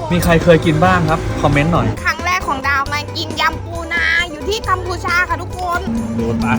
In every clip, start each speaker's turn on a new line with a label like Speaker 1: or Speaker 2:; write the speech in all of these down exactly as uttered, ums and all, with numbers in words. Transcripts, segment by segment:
Speaker 1: มีใครเคยกินบ้างครับคอมเมนต์หน่อย
Speaker 2: ครั้งแรกของดาวมากินยำปูนาอยู่ที่กัมพูชาค่ะทุกคน
Speaker 1: โดนไป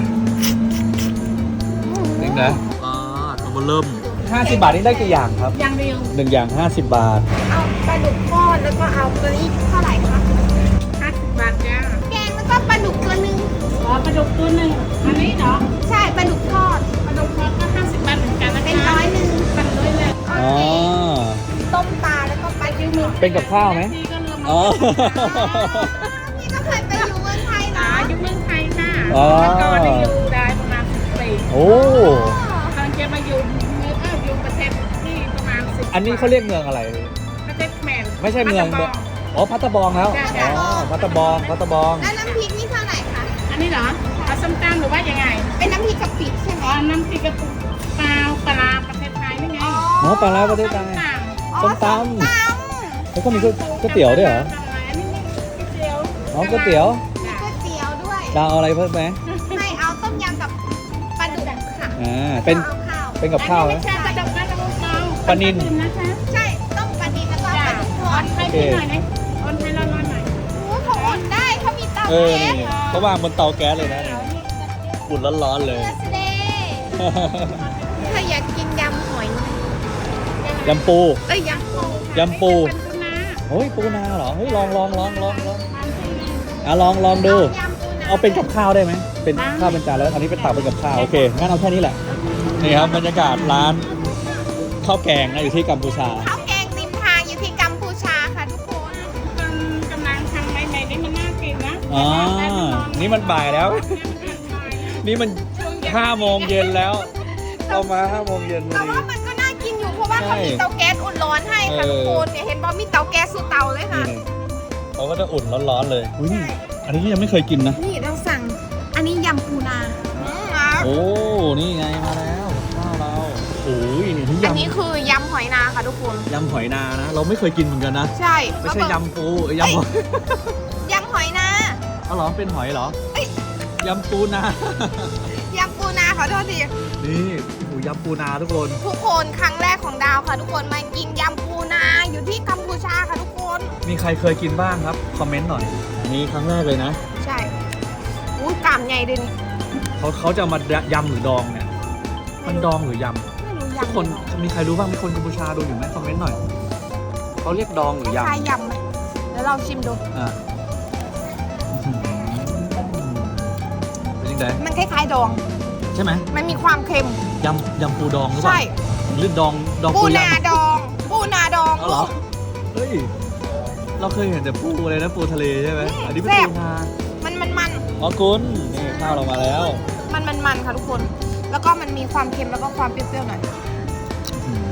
Speaker 1: นี่นะอ่าตัวเริ่มห้าสิบบาทนี่ได้กี่อย่างครับ
Speaker 2: อย่างเดียว
Speaker 1: หนึ่งอย่างห้าสิบบาท
Speaker 2: เอาปลาดุกทอดแล้วก็เอาตัวนี้เท่าไหร่คะ
Speaker 3: ห้าสิบบาทจ้า
Speaker 2: แกงแล้วก็ปลาดุกตัวหนึ่ง
Speaker 3: อ๋อปลาดุกตัวหนึ่งอันนี้เหรอ
Speaker 2: ใช่ปลาดุกทอด
Speaker 3: ปลาดุกทอดก็ห้าสิบบาทเหมือนกันนะคะ
Speaker 2: เป็นร้อยหนึ่ง
Speaker 3: ปันเลยเลย
Speaker 2: โอ
Speaker 1: อ๋อ
Speaker 2: เคต้มปลาแล้วก็ปลาจิ้มหมึก
Speaker 1: เป็นกับข้าวไหม
Speaker 3: พี่ก็เริ่ม
Speaker 1: อ๋อ
Speaker 2: พี่ก็เคยไปอยู่เมืองไทย
Speaker 3: อ๋อ
Speaker 2: นะ
Speaker 3: อยู่เมืองไทยค่ะ
Speaker 1: อ๋อ
Speaker 3: แล้วก็ได้อยู่ได้ประมาณสิบปี
Speaker 1: โอ้
Speaker 3: ตอนจะมาอยู่เมืองเอออยู่ประเทศที่ประมาณสิบ
Speaker 1: อันนี้เขาเรียกเมืองอะไร
Speaker 3: ประเทศแมน
Speaker 1: ไม่ใช่เมือง
Speaker 3: พัทยา
Speaker 1: อ๋อพัตตาบองแล้วอ๋อพัตตาบองพัตตาบอง
Speaker 2: แล้วน้ำพริกนี่เท่าไหร่คะ
Speaker 3: อันนี้เหรอเอาส้มตำหรือว่ายังไง
Speaker 2: เป็นน้ำพริกกะปิใช่ไหม
Speaker 3: อ๋อน้ำพริกกระปุกเปล่าปลาร้าประเทศไทยนี่ไง
Speaker 1: หมอปลาร้าประเทศไทย
Speaker 2: อ๋อ
Speaker 1: ส้มตำ
Speaker 2: ส้มต
Speaker 1: แล้วก็มีก๋วยก๋วยเตี๋ยวด้วยเหรอ
Speaker 3: อันนี้มีก๋วยเตี๋ยว
Speaker 1: อ๋อก๋วยเตี๋ยว
Speaker 2: ำมีก๋วยเตี๋ยวด้วย
Speaker 1: ดาวเอาอะไรเพิ่มไหม
Speaker 2: ไม่เอาต้มยำกับปลาดุกค่ะ
Speaker 1: อ่าเป็น
Speaker 2: เอาข้าว
Speaker 1: เป็นกับข้าว
Speaker 3: อัน
Speaker 1: นะ
Speaker 3: นี้ไม่ใช่ปลาดุกปลาดุกเรา
Speaker 1: ปลานิล
Speaker 3: นะคะ
Speaker 2: ใช่ต้มปลาดิบแล้วก็ป
Speaker 3: จ้า
Speaker 2: ลาดุกท
Speaker 3: อ
Speaker 2: อ
Speaker 3: อ
Speaker 2: ด
Speaker 3: นให้พี่หน่อยนะออนให้ร้อนๆหน่อย
Speaker 2: โอ้เขาอุ่นได้เขามีเตา
Speaker 1: เออ
Speaker 2: แก๊ส
Speaker 1: นี่เขาวางบนเตาแก๊สเลยนะนี่อุ่นร้อนๆเลย
Speaker 2: เนื้อสเดย์ถ้าอยากกินยำหอย
Speaker 1: ยำปู
Speaker 2: เอ้ยยำปู
Speaker 1: ยำปู
Speaker 3: เป็นปูนา
Speaker 1: เฮ้ยปูนาเหรอเฮ้ยลองลองลองลองลองอ่ะลองลองดู
Speaker 2: ยำปูนา
Speaker 1: เอาเป็นกับข้าวได้ไหมเป็นข้าวเป็นจานแล้วอันนี้เป็นตักเป็นกับข้าวโอเคงั้นเอาแค่นี้แหละนี่ครับบรรยากาศร้านข้าวแกงนะอยู่ที่กัมพูชา
Speaker 2: ข้าวแกงริมทางอยู่ที่กัมพูชาค่ะทุกคน
Speaker 3: กำลังทำใหม่ๆนี่มันน่ากินนะ
Speaker 1: อ๋อนี่มันบ่ายแล้ว นี่มันห้าโมงเย็นแล้วเรามาห้าโมงเย็นพ
Speaker 2: แต่
Speaker 1: อดี
Speaker 2: ว่ามันก็น่ากินอยู่เพราะว่า
Speaker 1: ใช่
Speaker 2: เขามีเตาแก๊สอุ่นร้อนให้ค่ะ
Speaker 1: เออ
Speaker 2: ทุกคนเนี่ยเห็นบอมีเตาแก๊สสู่เตาเลยค่ะ
Speaker 1: นี่เขาก็จะอุ่นร้อนๆเลยอุ้ยนี่อันนี้ยังไม่เคยกินนะ
Speaker 2: นี่เราสั่งอันนี้ยำปูนาอืมอ่ะ
Speaker 1: โอ้ นี่ไงมาแล้วข้าวเราโอ้ยนี่ที่
Speaker 2: อันนี้
Speaker 1: ยำ
Speaker 2: คือยำหอยนาค่ะทุกคน
Speaker 1: ยำหอยนานะ เราไม่เคยกินเหมือนกันนะ
Speaker 2: ใช่
Speaker 1: ไม่ใช่
Speaker 2: แล้วก็
Speaker 1: ยำปูเอ้ยยำหอย
Speaker 2: ยำหอยนา
Speaker 1: เอาเหรอเป็นหอยเหรอ
Speaker 2: เอ้ย
Speaker 1: ยำปูนา
Speaker 2: ยำปูนาขอโทษที
Speaker 1: นี่โอ้ยำปูนาทุกคน
Speaker 2: ทุกคนครั้งแรกของดาวค่ะ ทุกคนมากินยำปูนาอยู่ที่กัมพูชาค่ะทุกคน
Speaker 1: มีใครเคยกินบ้างครับคอมเมนต์หน่อยอันนี้ครั้งแรกเลยนะ
Speaker 2: ใช่อุ้ยกล้ามใหญ่เลยนี่
Speaker 1: เขาเขาจะเอามายำหรือดองเนี่ยมันดองหรือย
Speaker 2: ไม่รู้
Speaker 1: ำ
Speaker 2: ยำ
Speaker 1: ทุกคนมีใครรู้บ้างมีคนกัมพูชาดูอยู่ไหมคอมเมนต์หน่อยเขาเรียกดองหรือย
Speaker 2: คล้ายยำไหมเดี๋ยวเราชิมดู
Speaker 1: ำอ่ะอื้อหือเป็นยังไง
Speaker 2: มันคล้ายๆดอง
Speaker 1: ใช่ไหม
Speaker 2: มันมีความเค็ม
Speaker 1: ยำยำปูดองหรือเปล่า
Speaker 2: ใช่
Speaker 1: หรือดองดอง
Speaker 2: ปู
Speaker 1: ปู
Speaker 2: นาย
Speaker 1: ำ
Speaker 2: ดอง ปูนาดอง
Speaker 1: เอาเหรอ เฮ้ย เราเคยเห็นแต่ปูอะไรนะปูทะเลใช่ไหม อันนี้เป็น
Speaker 2: แซ่บ
Speaker 1: ปูนา
Speaker 2: มันมันมัน
Speaker 1: อ๋อคุณนี่ข้าวเรามาแล้ว
Speaker 2: มันมันมันค่ะทุกคน แล้วก็มันมีความเค็มแล้วก็ความเปรี้ยวๆหน่อยอืม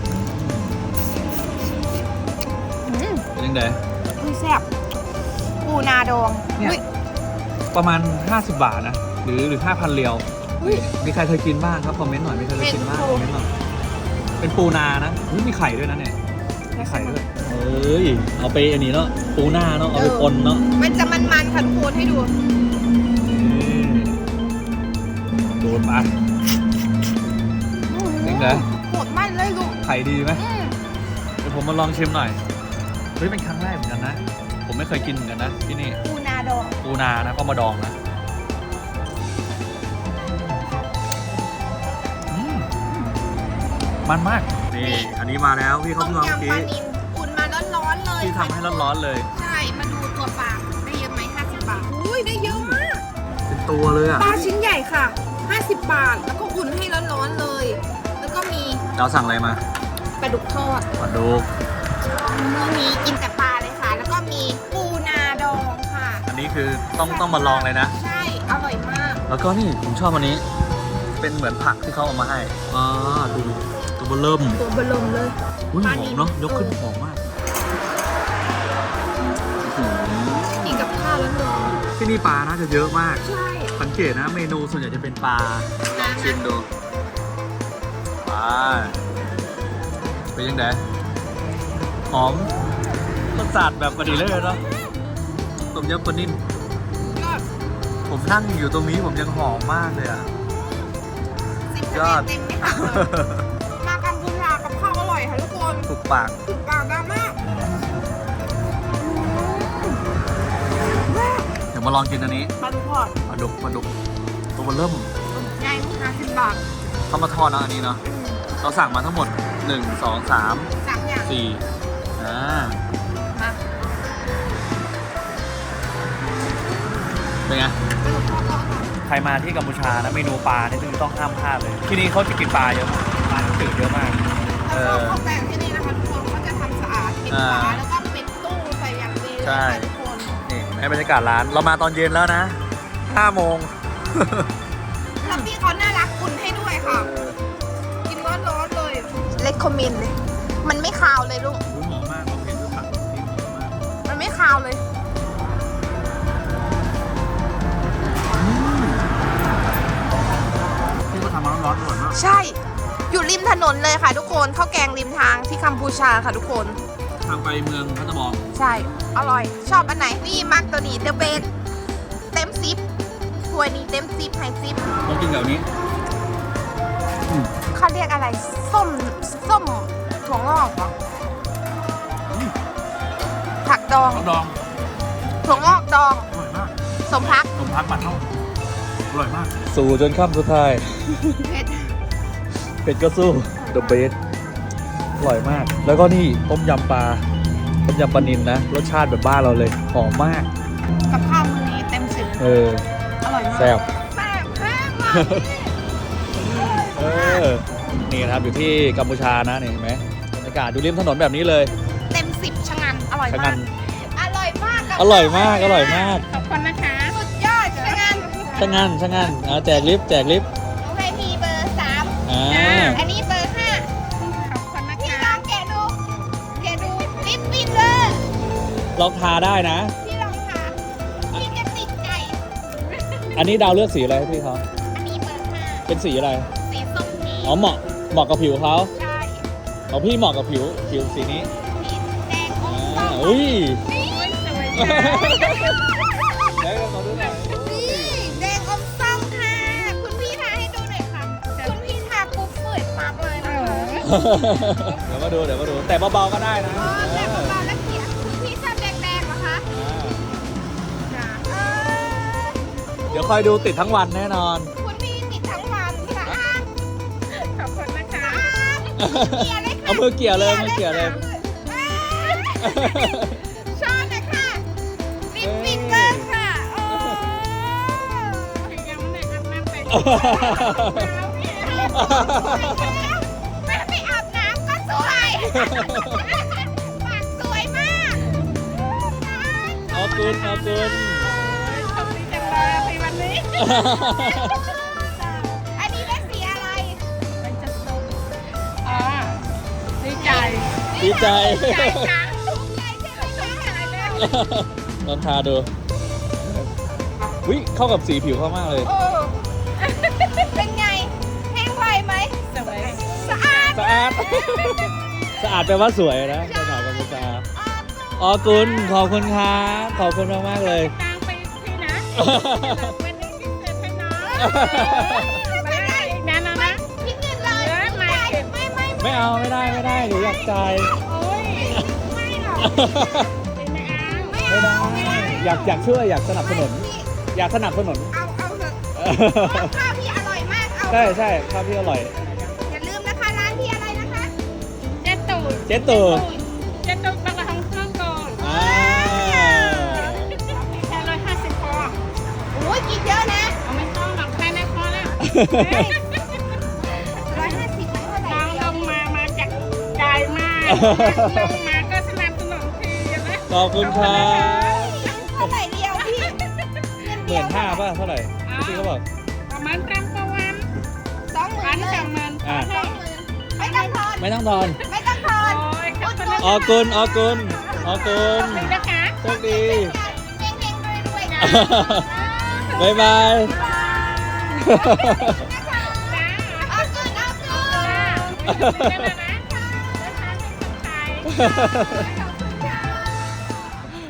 Speaker 1: เป็นยังไง
Speaker 2: อุ้ยแซ่บปูนาดอง
Speaker 1: เนี่ย
Speaker 2: อุ้ย
Speaker 1: ประมาณห้าสิบบาทนะ หรือหรือห้าพันเรียว
Speaker 2: อุ้ย
Speaker 1: มีใครเคยกินบ้างครับคอมเมนต์หน่อยมีใครเคยกินบ้าง
Speaker 2: เป็น
Speaker 1: คอมเมนต์หน่อยเป็นปูนานะอุ๊ยมีไข่ด้วยนะเนี่ยมีไข่ด้วยเอ้ย เอาไปอันนี้เนาะ ปูนาเนาะ เอาไปปนเนาะ
Speaker 2: มันจะมันมันๆค่ะทุกคนให้ดู
Speaker 1: นี่โดนมาเป็นไง
Speaker 2: โหดมันเลยลูก
Speaker 1: ไข่ดีไหม
Speaker 2: อืม
Speaker 1: เดี๋ยวผมมาลองชิมหน่อย เฮ้ยเป็นครั้งแรกเหมือนกันนะ ผมไม่เคยกินเหมือนกันนะที่นี่
Speaker 2: ปูนาดอง
Speaker 1: ปูนานะก็มาดองนะอืมมันมาก นี่ อันนี้มาแล้วพี่เขา
Speaker 2: ต้ม
Speaker 1: เพิ่งเอา
Speaker 2: ยำ
Speaker 1: เมื่อ
Speaker 2: ปลา
Speaker 1: กี้
Speaker 2: นิลอุ่นมาร้อนๆเลย
Speaker 1: ที่ทำให้ร้อนๆเลย
Speaker 2: ใช่ มาดูตัวปลาได้เยอะไหมห้าสิบบาท อุ้ยได้เยอะมาก
Speaker 1: เป็นตัวเลยอ่ะ
Speaker 2: ปลาชิ้นใหญ่ค่ะห้าสิบบาท แล้วก็อุ่นให้ร้อนๆเลย แล้วก็มี
Speaker 1: เราสั่งอะไรมา
Speaker 2: ปลาดุกทอด
Speaker 1: ปลาดุก
Speaker 2: มื้อนี้กินแต่ปลาเลยค่ะ แล้วก็มีปูนาดองค่ะ
Speaker 1: อันนี้คือต้องต้องมาลองเลยนะ
Speaker 2: ใช่ อร่อยมาก
Speaker 1: แล้วก็นี่ผมชอบอันนี้ เป็นเหมือนผักที่เขาเอามาให้อ่าดูตัวเบอร์เริ่ม
Speaker 2: ตัวเบลมเลย
Speaker 1: อุ้ย
Speaker 2: ป
Speaker 1: ห
Speaker 2: ลา
Speaker 1: อ
Speaker 2: นิ
Speaker 1: ม
Speaker 2: ล
Speaker 1: เนาะยกขึ้นหอมมากอื้อหือ
Speaker 2: กินกับข้าวแล้วเนอะ
Speaker 1: ที่นี่ปลาน่าจะเยอะมาก
Speaker 2: ใช่
Speaker 1: สังเกตนะเมนูส่วนใหญ่จะเป็นปลาลองชิมดูปลาเป็นยังไงหอมรสชาติแบบพอดีเลยเนาะต้มยำปลานิ่ม
Speaker 2: ยอด
Speaker 1: ผมนั่งอยู่ตรงนี้ผมยังหอมมากเลยอ่ะ
Speaker 2: สิบ
Speaker 1: ยอด
Speaker 2: เต็มไม่หักเลยมากัมพูชากับข้าวอร่อยค่ะทุกคน
Speaker 1: ถูกปาก
Speaker 2: ถูกปากดามาก
Speaker 1: มาลองกินอันนี้
Speaker 2: ปลาดุกทอด
Speaker 1: ปลาดุกปลาดุกตัวมันเริ่ม
Speaker 2: ใหญ่ห้าสิบบาท
Speaker 1: เข้ามาทอดนะอันนี้เนาะเราสั่งมาทั้งหมดหนึ่ง สอง สาม
Speaker 2: สามอย่าง
Speaker 1: สี่อ่า
Speaker 2: มา
Speaker 1: เป็นไง
Speaker 2: ปลาดุกทอดทอด
Speaker 1: ใครมาที่กัมพูชานะเมนูปลานี่ต้องห้ามพลาดเลย ที่นี่เขาจะกินปลาเยอะมากปลาจืดเยอะมาก เอ
Speaker 2: แล้วก็
Speaker 1: อ
Speaker 2: ข้าวแกงที่นี่นะคะทุกคนเขาจะทำสะอาดปิดฝาแล้วก็ปิดตู้ใส่อย่างดีเลย
Speaker 1: ใช่
Speaker 2: ค่ะทุกคน
Speaker 1: นี่ให้บรรยากาศร้าน เรามาตอนเย็นแล้วนะห้าโมง
Speaker 2: แล้วพี่เขาน่ารักอุ่นให้ด้วยค่ะ กินร้อนๆเลย เล็กคอมมินเลย มันไม่คาวเลยลูก
Speaker 1: อุ้ยหอมมากเราเห็นด้วยผักที่หอมมาก
Speaker 2: มันไม่คาวเลย
Speaker 1: ที่เขาทำมาร้อนๆอร่อยมาก
Speaker 2: ใช่ อยู่ริมถนนเลยค่ะทุกคนข้าวแกงริมทางที่กัมพูชาค่ะทุกคน
Speaker 1: ทางไปเมืองพัทบอง
Speaker 2: ใช่ อร่อย ชอบอันไหน นี่มักตัวนี้เดอะเบสเต็มซิปถ้วยนี้เต็มซิปไฮซิป
Speaker 1: ต้องกินแบบนี้
Speaker 2: เขาเรียกอะไร ส้ม ส้มถั่วงอกเหรอผักดอง
Speaker 1: ข้าวดอง
Speaker 2: ถั่วงอกดอง
Speaker 1: อร่อยมาก
Speaker 2: สมพัก
Speaker 1: นมพักบัตรเท่าอร่อยมาก สู่จนค่ำสุดท้าย
Speaker 2: เผ็ด
Speaker 1: เป็ดก็สู้ The Best อร่อยมาก แล้วก็นี่ต้มยำปลา ต้มยำปลานิลนะ รสชาติแบบบ้านเราเลย หอมมาก
Speaker 2: กับข้าวมื้อนี้เต็มสิบ
Speaker 1: เออ
Speaker 2: อร่อยมาก
Speaker 1: แซ่บ
Speaker 2: แซ่บแซ่บมาก
Speaker 1: เออ นี่นะครับอยู่ที่กัมพูชานะนี่เห็นไหมบรรยากาศอยู่ริมถนนแบบนี้เลย
Speaker 2: เต็มสิบชะงัน อร่อย
Speaker 1: ชะงั
Speaker 2: มาก
Speaker 1: น
Speaker 2: อร่อยมากกับ
Speaker 1: อร่อยมาก อร่อยมาก
Speaker 3: ขอบคุณนะคะ
Speaker 2: สุดยอดชะงัน
Speaker 1: ชะงันชะงันเอาแจกลิฟต์แจกลิฟต์
Speaker 2: น้องให้พี่เบอร์สาม
Speaker 1: อ่า
Speaker 2: อันนี้เบอร์ห้า
Speaker 3: ขอบคุณนะ
Speaker 2: พี่
Speaker 3: คะ
Speaker 2: ลองแกะดู แกะดูลิปปิ้นเลย
Speaker 1: ลองทาได้นะ
Speaker 2: พี่ลองทาพี่จะติดใจ
Speaker 1: อันนี้ดาวเลือกสีอะไรให้พี่เขา
Speaker 2: อันนี้เบอร์ห้า
Speaker 1: เป็นสีอะไร
Speaker 2: สีส้มพี
Speaker 1: อ๋อเหมาะ เหมาะกับผิวเขา
Speaker 2: ใช่
Speaker 1: ของพี่เหมาะกับผิว ผิวสีนี้
Speaker 2: สีแดงอม
Speaker 1: อ่า
Speaker 2: ส้ม
Speaker 1: อุ้ย
Speaker 2: นี่
Speaker 3: สวยจัง
Speaker 1: ได้กันมาดูหน่อย
Speaker 2: นี่แดงอมส้มค่ะ คุณพี่ทาให้ดูหน่อยค่ะ คุณพี่ทาปุ๊บเปิดปั๊บเลยนะคะ
Speaker 1: เดี๋ยวมาดู เดี๋ยวมาดู แต่เบาๆก็ได้นะ
Speaker 2: อ๋อแต่เบาๆแล้วเขียนคุณพี่ชอบแดงๆเหรอคะ
Speaker 1: อ่า
Speaker 2: เออ
Speaker 1: เดี๋ยวคอยดูติดทั้งวันแน่นอน
Speaker 2: คุณพี่ติดทั้งวันสะอาด
Speaker 3: ขอบคุณนะคะ
Speaker 2: เกลี่ยเลยค่ะ
Speaker 1: เอามือเกี่ยวเลยมือเกี่ยวเลย
Speaker 2: ชอบเลยค่ะลิปปิดเบอร์ค่ะโอ้
Speaker 3: ยังไม่ได้อาบน้ำแต่ง
Speaker 2: แม่ไม่อาบน้ำก็สวยปากสวยมาก
Speaker 1: เอาคุณเอาคุณ
Speaker 3: โชคดีจังเลยในวันนี้
Speaker 2: อันนี้ได้สีอะไร
Speaker 3: มันจะสุกอ๋อดีใจ
Speaker 1: ดีใจ
Speaker 2: ใจจังถูกใจใช่ไหมคะ
Speaker 3: ใจแล้ว
Speaker 1: ลองทาดูวิเข้ากับสีผิวเขามากเลย
Speaker 2: โอ้เป็นไงแห้งไวไหม
Speaker 3: สวย
Speaker 2: สะอาด
Speaker 1: สะอาด สะอาดแปลว่าสวยนะภาษากัมพูชาอ๋อคุณขอบคุณครับขอบคุณมากมากๆเลย
Speaker 3: กลางไปที่นะวันนี้พิเศษให้น้องมาได้อีกนะน้องนะ
Speaker 2: พิดเงินเลย
Speaker 3: เออไม่เก็บ
Speaker 2: ไม่ไม่
Speaker 1: ไม่เอาไม่ได้ไม่ได้หนูอยากจ่าย
Speaker 3: โอ้ย
Speaker 2: ไม่หรอก
Speaker 3: เป็นไงอ่ะ
Speaker 2: ไม่
Speaker 1: ไม่
Speaker 2: เอา
Speaker 1: ได้
Speaker 2: ไม่ได้
Speaker 1: อยากอยากช่วยอยากสนับสนุน อยากสนับสนุน
Speaker 2: เอาเอาเถอะข้าวพี่อร่อยมากเอา
Speaker 1: ใช่ใช่ข้าวที่อร่อย
Speaker 2: อย่าลืมนะคะร้านพี่อะไรนะคะ
Speaker 3: เจ็ดตูด
Speaker 1: เจ๊ตู่
Speaker 3: เจ็ดตูดบางละห้องเครื่องก่อน
Speaker 1: อ่า
Speaker 3: แค่ร้อยห้าสิบพอ
Speaker 2: โอ้ยกินเยอะนะ
Speaker 3: เอาไม่ต้องหรอกแค่ในพอแล้ว
Speaker 2: ร้อยห้าสิบไม่เท่าไหร่
Speaker 3: น้อง
Speaker 2: เดี
Speaker 3: ล
Speaker 2: ยว
Speaker 3: งมามาจากใจมากลงมาก็สนับสนุนทีนะ
Speaker 1: ขอบคุณครับ
Speaker 2: เท่าไหร่เดียวพี่
Speaker 1: หมื่นห้าป่ะเท่าไหร่ที่พี่เขาบอก
Speaker 3: ประมาณกรัมประวัน
Speaker 2: สองหมื่
Speaker 3: พั
Speaker 2: น
Speaker 3: น
Speaker 2: เลย
Speaker 3: สองหมื่น
Speaker 1: อ่ะ
Speaker 2: สองหมื่นไม่ต้องทอน
Speaker 1: ไม่ต้องทอน
Speaker 2: ไม่ต้องทอน
Speaker 3: โอ้ยขอบคุณ
Speaker 1: ออกุลออกุลออกุล
Speaker 3: นะคะ
Speaker 1: โชคดี
Speaker 2: เฮงเฮงรวยรวยๆนะ
Speaker 1: บ๊ายบาย
Speaker 2: เอาเกินเอาเกิน
Speaker 3: จ้าได้แล้วนะเดินทางเป็นคนไทย